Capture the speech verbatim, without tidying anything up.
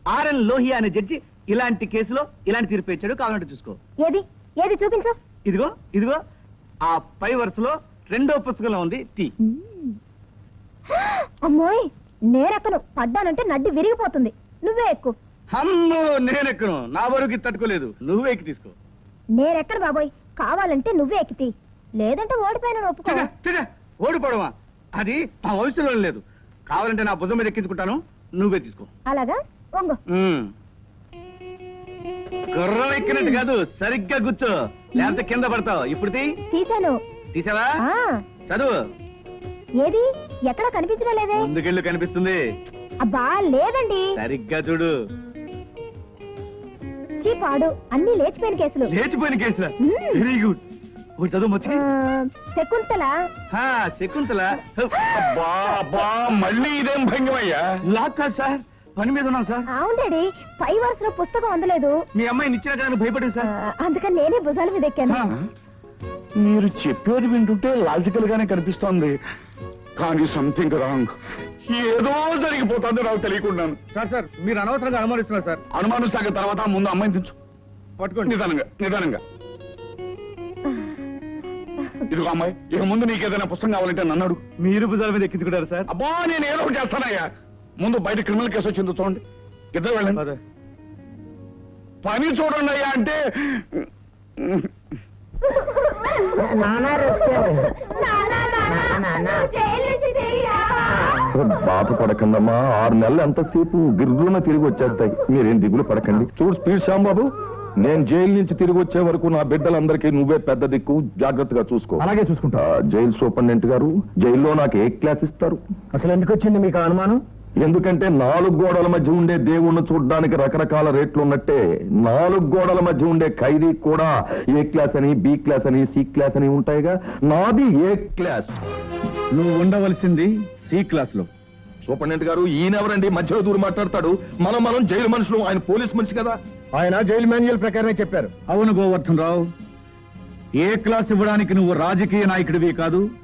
RN Lohia అనే judge ఇలాంటి కేసులో ఇలాంటి తీర్పు ఇచ్చాడు. కావాలంటే చూసుకో. ఏది ఏది చూపించు. ఇదిగో ఇదిగో ఆ పై వరుసలో రెండో పుస్తకంలో ఉంది టీ. అమ్మోయ్, నేనెక్కను. పడ్డానంటే నడ్డి విరిగిపోతుంది. నువ్వే ఎక్కు. అమ్మో, నేనెక్కను. నా వరకు తట్టుకోలేదు. నువ్వే ఎక్కి తీసుకో. నేనెక్కను బాబోయ్. కావాలంటే నువ్వే ఎక్కితి, లేదంటే ఓడిపోయిన ఒప్పుకో. ఛ, ఛ, ఛ, ఓడిపోవడమా? అది మా వయసులో లేదు. కావాలంటే నా భుజం మీద ఎక్కించుకుంటాను. నువ్వే తీసుకో. అలాగా? వంగు. ఉమ్. గుర్రం ఎక్కినట్టు కాదు, సరిగ్గా కూర్చో, లేకపోతే కింద పడతావు. ఇప్పుడు తీ. తీశాను. తీసావా? ఆ, చదువు. ఏది ఎక్కడ కనిపించడం లేదే. ముందుకెళ్ళు, కనిపిస్తుంది. అబ్బా లేదండి. సరిగ్గా చూడు. చీపాడు, అన్ని లేచిపోయిన కేసులు. లేచిపోయిన కేసులా? మ్మ్. Very good. ఒకటి చదువు మచ్చి. ఆ, శకుంతల. హా, శకుంతల. అబ్బా అబ్బా, మళ్ళీ ఇదేం భంగమయ్యా? లాక్ కాదు సార్, పని మీద ఉన్నాం సార్. అవును డాడీ, పై వరుసలో పుస్తకం అందలేదు. మీ అమ్మాయిని ఇచ్చిన కానీ భయపడింది ఆ, సార్. అందుకని నేనే భుజాల మీద ఎక్కాను. హా. మీరు చెప్పేది వింటుంటే లాజికల్ గానే కనిపిస్తోంది, కానీ సంథింగ్ రాంగ్. ఏదో జరిగిపోతుంది నాకు తెలియకుండాను. సార్ సార్, మీరు అనవసరంగా అనుమానిస్తున్నారు సార్. అనుమానం సాగిన తర్వాత ముందు అమ్మాయిని దించు. పట్టుకోండి. నిదానంగా నిదానంగా. ఇదిగో అమ్మాయి, ఇక ముందు నీకేదైనా పుస్తకం కావాలంటే నన్ను అడుగు. మీరు భుజాల మీద ఎక్కించుకుంటారు సార్. అబ్బా, నేను ఏదో ఒకటి చేస్తానయ్యా. ముందు బయట క్రిమినల్ కేసు వచ్చిందో చూడండి. ఇద్దరు వెళ్ళండి. అదే. పని చూడండి అయ్యా అంటే బాధ పడకండమ్మా, ఆరు నెలలు ఎంతసేపు గిర్రున తిరిగి వచ్చేస్తాయి. మీరేం దిగులు పడకండి. చూడు స్పీడ్ శ్యాంబాబు, నేను జైలు నుంచి తిరిగి వచ్చే వరకు నా బిడ్డలందరికీ నువ్వే పెద్ద దిక్కు, జాగ్రత్తగా చూసుకో. అలాగే చూసుకుంటా. ఆ, జైలు సూపరింటెండెంట్ గారు, జైల్లో నాకు ఏ క్లాస్ ఇస్తారు? అసలు ఎందుకు వచ్చింది మీకు అనుమానం? ఎందుకంటే నాలుగు గోడల మధ్య ఉండే దేవుణ్ణి చూడడానికి రకరకాల రేట్లు ఉన్నట్టే, నాలుగు గోడల మధ్య ఉండే ఖైదీ కూడా ఏ క్లాస్ అని, బి క్లాస్ అని, సి క్లాస్ అని ఉంటాయిగా. నాది ఏ క్లాస్. నువ్వు ఉండవలసింది సి క్లాస్ లో. సూపరింటెండెంట్ గారు, ఈయనెవరండి మధ్యలో దూరం మాట్లాడతాడు? మనం మనం జైలు మనుషులు, ఆయన పోలీస్ మనిషి కదా. ఆయన జైలు మాన్యువల్ ప్రకారమే చెప్పారు. అవును గోవర్ధన్ రావు, ఏ క్లాస్ ఇవ్వడానికి నువ్వు రాజకీయ నాయకుడివి కాదు,